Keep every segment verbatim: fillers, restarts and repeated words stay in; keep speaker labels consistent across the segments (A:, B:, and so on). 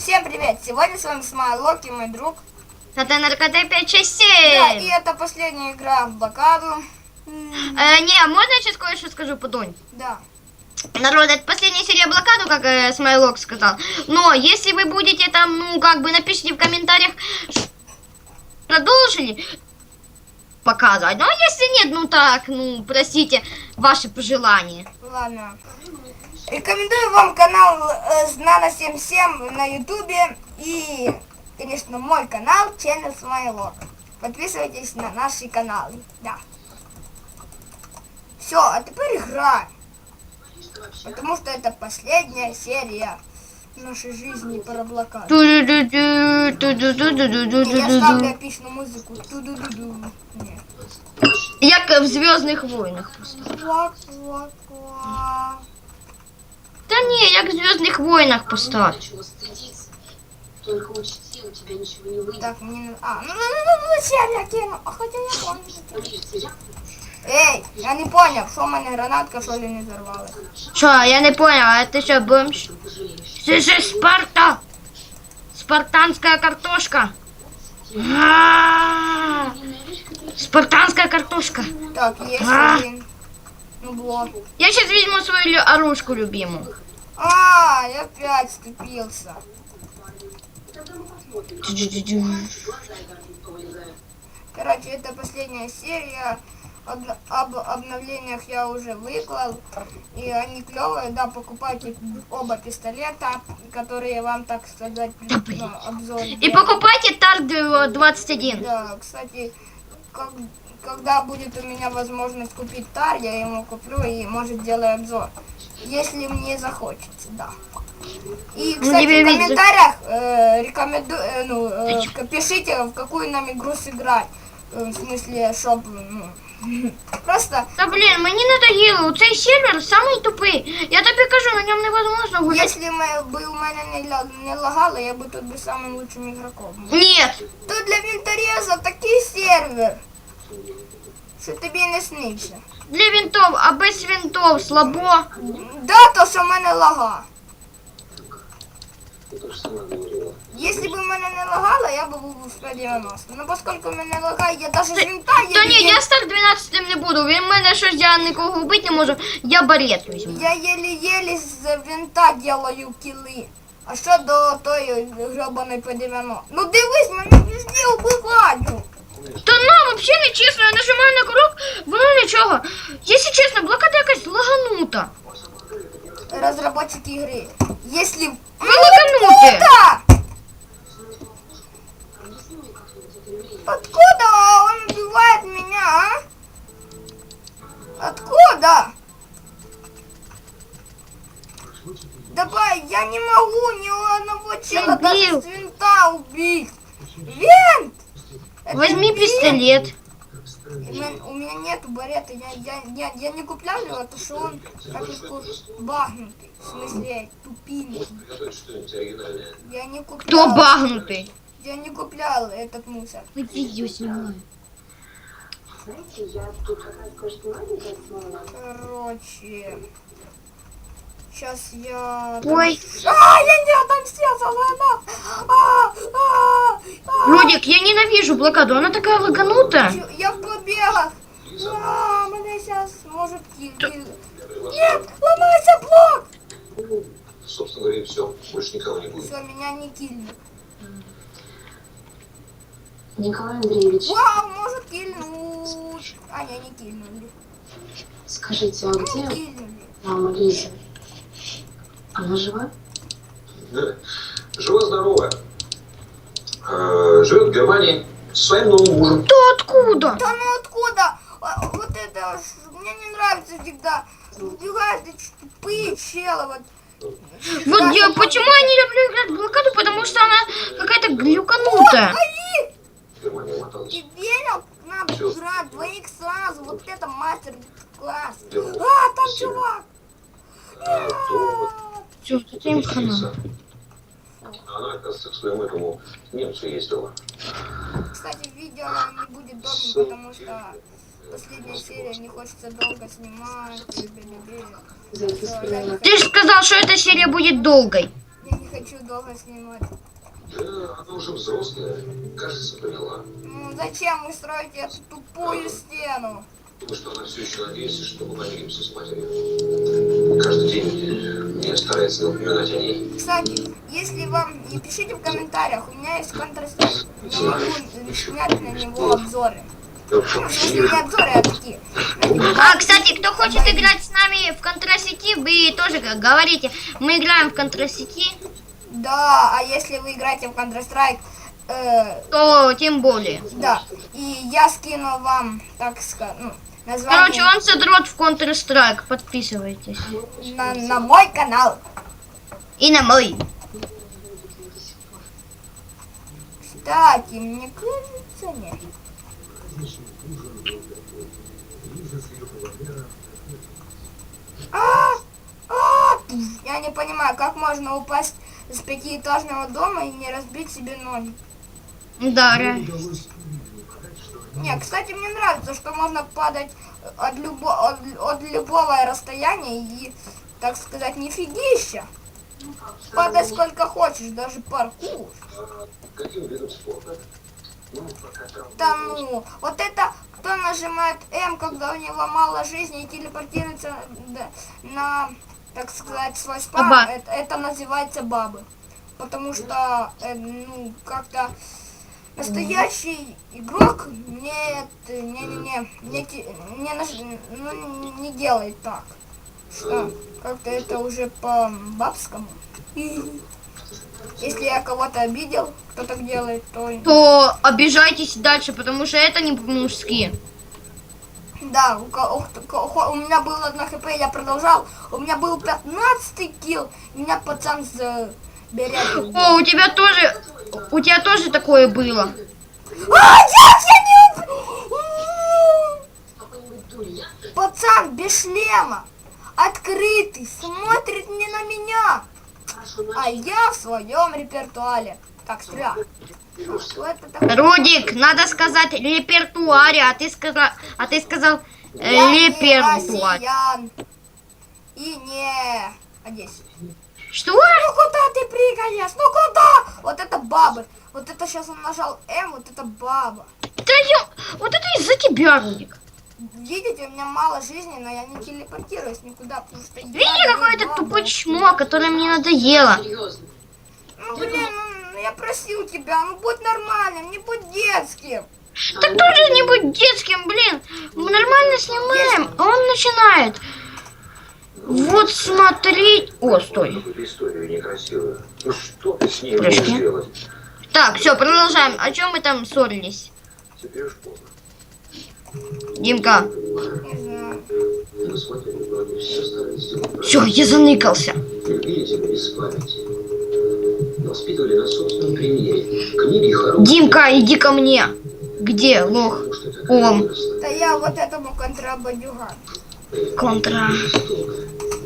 A: Всем привет! Сегодня с вами Смайлок и мой друг.
B: Это НРКТ пять шесть
A: Да,
B: семь.
A: и это последняя игра в блокаду.
B: Э, не, можно я сейчас кое-что скажу, Подонь?
A: Да.
B: Народ, это последняя серия блокаду, как э, Смайлок сказал. Но если вы будете там, ну, как бы напишите в комментариях, продолжили показывать. Ну, а если нет, ну так, ну, простите, ваши пожелания.
A: Ладно. Рекомендую вам канал э, Знана семь семь на ютубе и, конечно, мой канал Channel Смайлок. Подписывайтесь на наши каналы. Да. Все, а теперь играем. Потому что это последняя серия нашей жизни про блокаду. Я ставлю эпичную музыку. Ту-ду-ду-ду. Нет.
B: Як в Звездных войнах просто.
A: Ква-ква-ква.
B: Да не, як в Звездных войнах поставь.
C: Только учти, у тебя ничего не выйдет.
A: Так, мне надо... А, ну, ну, ну, ну, зачем я кину? А хотя я помню. Эй, я не понял, что у меня гранатка, что ли, не взорвалась.
B: Что, я не понял, а это что, бомж? Ты же Спарта! Спартанская картошка! А-а-а! Спартанская картошка!
A: Так, есть
B: А.
A: один. Ну, блок.
B: Я сейчас возьму свою лю- оружку любимую.
A: А, я опять ступился. Короче, это последняя серия. Об, об обновлениях я уже выклал. И они клевые, да, покупайте оба пистолета, которые вам, так сказать,
B: Да, блин.
A: обзор.
B: И покупайте Тард двадцать один.
A: Да, кстати, как, когда будет у меня возможность купить тар, я ему куплю и, может, сделаю обзор. Если мне захочется, да. И, кстати,
B: тебе
A: в
B: видно.
A: комментариях э, рекомендую, э, ну, э, пишите, в какую нам игру сыграть. Э, в смысле, чтоб, ну, просто,
B: Да блін, мені надоело, цей сервер самий тупий. Я тобі кажу, на ньому невозможно гуляти.
A: если мы, бы у меня не, ля- не лагало, я бы тут бы самым лучшим игроком был.
B: Нет.
A: Тут для винтореза такий сервер, що тобі не сниться.
B: Для винтов, а без винтов слабо.
A: Да, то, що в мене лага.
C: Ты тоже сама говорила.
A: Если бы мене не лагало, я бы був у сто девяносто. Но поскольку мене лагає, я даже з винта
B: Та ні,
A: еле-
B: я стар дванадцятим не буду. Він мене щось, я нікого вбити не можу. Я барет візьму.
A: я еле-еле з винта делаю кіли. А що до тої гребаної П дев'яносто? Ну дивись, мене везде убивають.
B: Та нам взагалі не чесно, я нажимаю на курок, воно нічого. Якщо чесно, блокада якась лаганута.
A: Разработчики игры. Если...
B: Ви лагануті.
A: Откуда? Откуда он убивает меня, а? Откуда? Давай, я не могу ни одного чела даже
B: Дебил.
A: с винта убить. Винт! Это
B: Возьми
A: винт.
B: пистолет.
A: И мен- У меня нету барета, я, я, я, я не куплял его, потому что он как бы багнутый. В смысле, тупинный.
C: Приготовить что-нибудь оригинальное.
A: Я не
B: Хто
A: куплял.
B: багнутий?
A: Я не куплял этот мусор.
B: Видео знімаю.
C: Знаете, я тут как раз кое-что маленькое смыла.
A: Короче. Сейчас я...
B: Ой.
A: А, я не отомстил за лайна! А, а, а.
B: Людик, я ненавижу блокаду, она такая лаганутая.
A: Чё, я в побегах. А, меня сейчас может киль. Нет, ломается блок!
C: Ну, собственно говоря, и все. Больше никого не будет.
A: Все, меня не кильнут.
C: Николай Андреевич,
A: Вау, может кильнуть. А, не, не кильнули.
C: скажите, а
A: Не
C: где
A: кильнули.
C: мама Лиза? Она жива?
D: Да. Жива-здоровая. Э, Живет в Германии со своим новым мужем.
B: Кто откуда?
A: Да ну откуда? А, вот это ж, мне не нравится всегда. Убегают эти тупые челы. Вот.
B: Вот я, почему я не люблю играть в блокаду, потому что она какая-то глюканутая.
A: Ай!
D: В Германию моталась.
A: Ты верил? Надо играть двоих сразу. Вот это мастер-класс. А, там чувак.
D: А, то вот
B: Все, это им хана.
D: Лиза. Она, оказывается, к своему этому немцу ездила.
A: Кстати, видео не будет долгим, потому что последняя серия, не хочется долго снимать.
C: За это
A: Всё, я не
B: Ты же сказал, что эта серия будет долгой.
A: Я не хочу долго снимать.
D: Да, она уже взрослая. Кажется, поняла.
A: Ну зачем вы строите эту тупую стену?
D: Потому что она все еще надеется, что мы помиримся с матерью. Каждый день мне старается напоминать о ней.
A: Кстати, если вам не пишите в комментариях, у меня есть Counter-Strike. Я могу снять на него обзоры. Ну, в смысле, не обзоры, а такие.
B: А, кстати, кто хочет играть с нами в Контрасети, вы тоже говорите. Мы играем в Контрасети.
A: Да, а если вы играете в Counter-Strike, э,
B: То тем более.
A: да, и я скину вам, так сказать, ну, название
B: Короче, он задрот в Counter-Strike. Подписывайтесь.
A: на, на мой канал.
B: И на мой.
A: Кстати, мне кажется, нет. А, а, я не понимаю, как можно упасть с пятиэтажного дома и не разбить себе ноги.
B: Да, реально.
A: Не, кстати, мне нравится, что можно падать от, любо, от, от любого расстояния и, так сказать, нифигища. Падай сколько хочешь, даже паркур.
D: Каким видом спорта? Ну, пока там...
A: Да ну, вот это, кто нажимает М, когда у него мало жизни и телепортируется да, на, так сказать, свой спам,
B: Баба.
A: это, это называется бабы. Потому что, э, ну, как-то настоящий игрок не, не, не, не, не, те- не, наж- ну, не делает так. Что как-то это уже по-бабскому. Если я кого-то обидел, кто так делает, то...
B: То обижайтесь дальше, потому что это не по-мужски.
A: Да, у, ко- у ко- у меня было одно хп, я продолжал. У меня был пятнадцатый килл, и меня пацан заберет.
B: О, у тебя тоже, у тебя тоже такое было.
A: А, нет, я не... Пацан без шлема, открытый, смотрит не на меня. А я в своем репертуаре. Так, стреляй. Ну, что это такое?
B: Рудик, надо сказать репертуаре, а ты сказал, а ты сказал э,
A: Я не
B: репертуар.
A: россиян. И не Одессе.
B: Что?
A: Ну куда ты прыгаешь? Ну куда? Вот это бабы. Вот это сейчас он нажал М, вот это баба.
B: Да я, вот это из-за тебя, Рудик.
A: Видите, у меня мало жизни, но я не телепортируюсь никуда, потому что я
B: Видите,
A: не
B: какой-то
A: баба.
B: тупой чмо, которое мне надоело.
A: Ну блин, ну я просил тебя, ну будь нормальным, не будь детским.
B: Так тоже не будь детским, блин. Мы нормально снимаем, а он начинает. Вот смотри. О, стой.
D: Какую-то историю некрасивую. Ну что ты с ней
B: Подожди.
D: будешь делать?
B: Так, все, продолжаем. О чем мы там ссорились?
D: Теперь уж поздно.
B: Димка.
A: Не знаю.
D: Мы с матерью вроде все старались сделать
B: Все, я заныкался.
D: Любили тебя без памяти. Воспитывали на собственном примере. Книги хорошие.
B: Димка, иди ко мне. Где, лох?
D: Потому что такая
B: Ом.
D: выросла.
A: Да я вот этому контрабандюгану.
B: Контра.
D: Жестокая.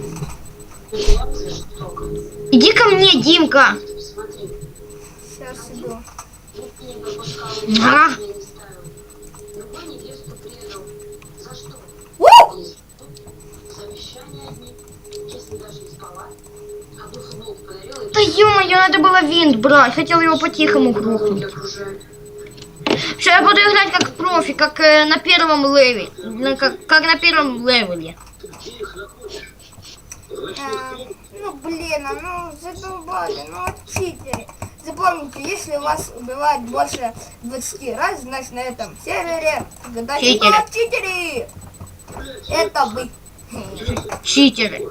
B: Иди ко мне, Димка.
C: Смотри,
A: Сейчас иду.
C: ты не пропускал,
B: А?
C: я не ставил. Другой невесту предал. За что?
A: У!
C: Не знаю. Завещание одни. Если даже не спала. А бы футболку подарила и
B: Да ё-моё, надо было винт брать. Хотел его по-тихому грохнуть.
C: окружают.
B: Все, я буду играть как профи, как э, на первом левеле. На- как, как на первом левеле.
D: Ты где их находишь?
A: А, ну блин, а ну задолбали, ну вот читеры. Запомните, если вас убивает больше двадцати раз, значит на этом сервере гадайте,
B: Читеры.
A: кто читеры. Это вы.
B: Читеры.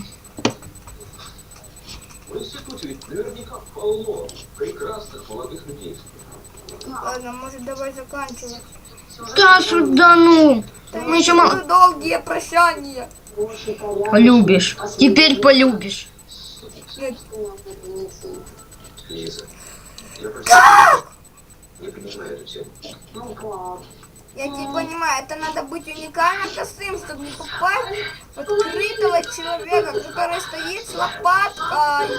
D: В институте ведь наверняка полно прекрасных молодых людей.
A: Ладно, может давай заканчивать.
B: Да сюда, ну. Мы еще мало...
A: Ну, долгие прощания.
C: Очень понятно.
B: Полюбишь. Теперь полюбишь.
A: Нет.
D: Лиза, я просто не понимаю эту тему.
C: Ну, класс.
A: Я не понимаю, это надо быть уникально косым, чтобы не попасть в открытого человека, который стоит с лопаткой.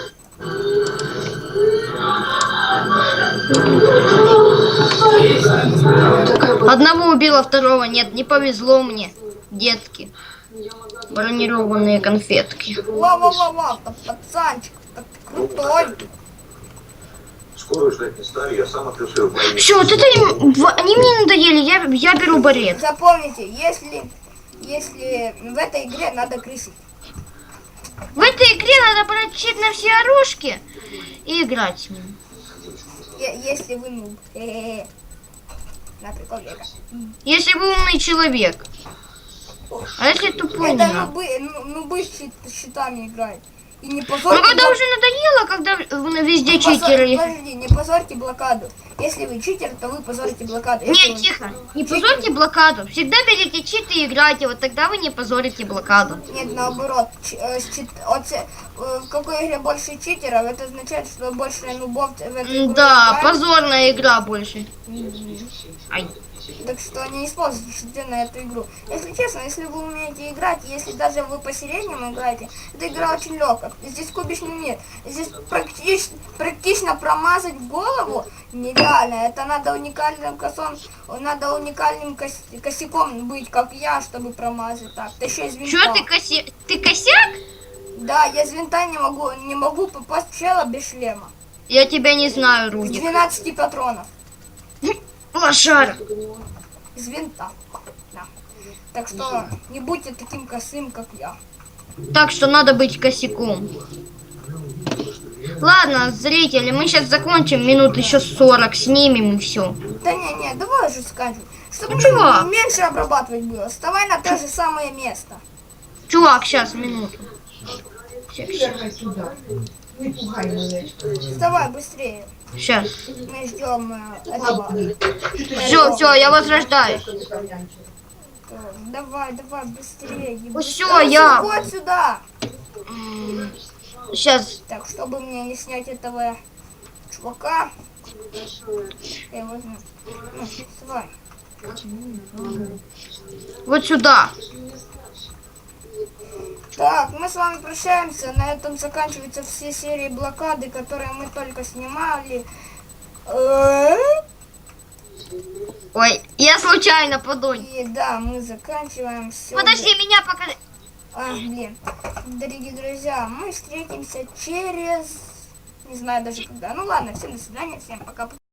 B: Одного убила, второго нет. Не повезло мне. Детки. Бронированные конфетки.
A: Ва-ва-ва-ва, пацанчик, Крутой.
D: Скоро ждать не стали, я сам открыл свою больницу.
B: Все, вот это им, в- они мне надоели, я, я беру барет.
A: Запомните, если, если в этой игре надо крысить.
B: В этой игре надо брать щит на все оружки и играть с ним.
A: Е- Если вы ну. Хе-хе-хе. На прикол века.
B: Если вы умный человек. А если тупой,
A: Это
B: не надо.
A: нубы, ну- нубы с щит- с щитами играют. И не
B: Ну
A: позорьте,
B: когда
A: блок-
B: уже надоело, когда э, везде
A: не позор-
B: читеры.
A: Подожди, не позорьте блокаду. Если вы читер, то вы позорите блокаду. Если
B: Нет,
A: вы-
B: тихо. Не позорьте блокаду. Всегда берите читы и играйте, вот тогда вы не позорите блокаду.
A: Нет, наоборот. Ч- э, с чит- от се- э, в какой игре больше читеров, это означает, что больше нубов в этой игре
B: Да,
A: играют.
B: позорная игра больше.
A: Мгм.
B: Ай.
A: Так что не используйте щиты на эту игру. Если честно, если вы умеете играть, если даже вы по среднему играете, эта игра очень легкая. Здесь кубичный мир. Здесь практич- практично промазать голову нереально. Это надо уникальным косом, надо уникальным кос- косяком быть, как я, чтобы промазать так. Да еще из винта.
B: Чё ты косе... Ты косяк?
A: Да, я из винта не могу, не могу попасть в чела без шлема.
B: Я тебя не знаю,
A: С
B: Рудик.
A: двенадцати патронов.
B: Лошара.
A: Из винта. Да. Так что не будьте таким косым, как я.
B: Так что надо быть косяком. Ладно, зрители, мы сейчас закончим, минут еще сорок снимем и все.
A: Да не-не, давай уже скажем. Чтобы
B: Ну, чувак.
A: меньше обрабатывать было. Вставай на то же самое место.
B: Чувак, сейчас, минуту. Ща, ща.
E: Ехай сюда. Не пугай меня.
A: Вставай быстрее.
B: Сейчас.
A: Мы ждем э, этого.
B: Все, все, я возрождаюсь.
A: Э, Давай, давай, быстрее.
B: Ну всё,
A: Быстрее,
B: я-
A: Вот сюда.
B: Сейчас.
A: Так, чтобы мне не снять этого чувака. Я его возьму. Ну, вставай.
B: Вот сюда.
A: Так, мы с вами прощаемся. На этом заканчиваются все серии блокады, которые мы только снимали. Э,
B: Ой, я случайно подонь.
A: И да, мы заканчиваем все.
B: Подожди, меня пока...
A: А, блин. Дорогие друзья, мы встретимся через... Не знаю даже когда. Ну ладно, всем до свидания, всем пока.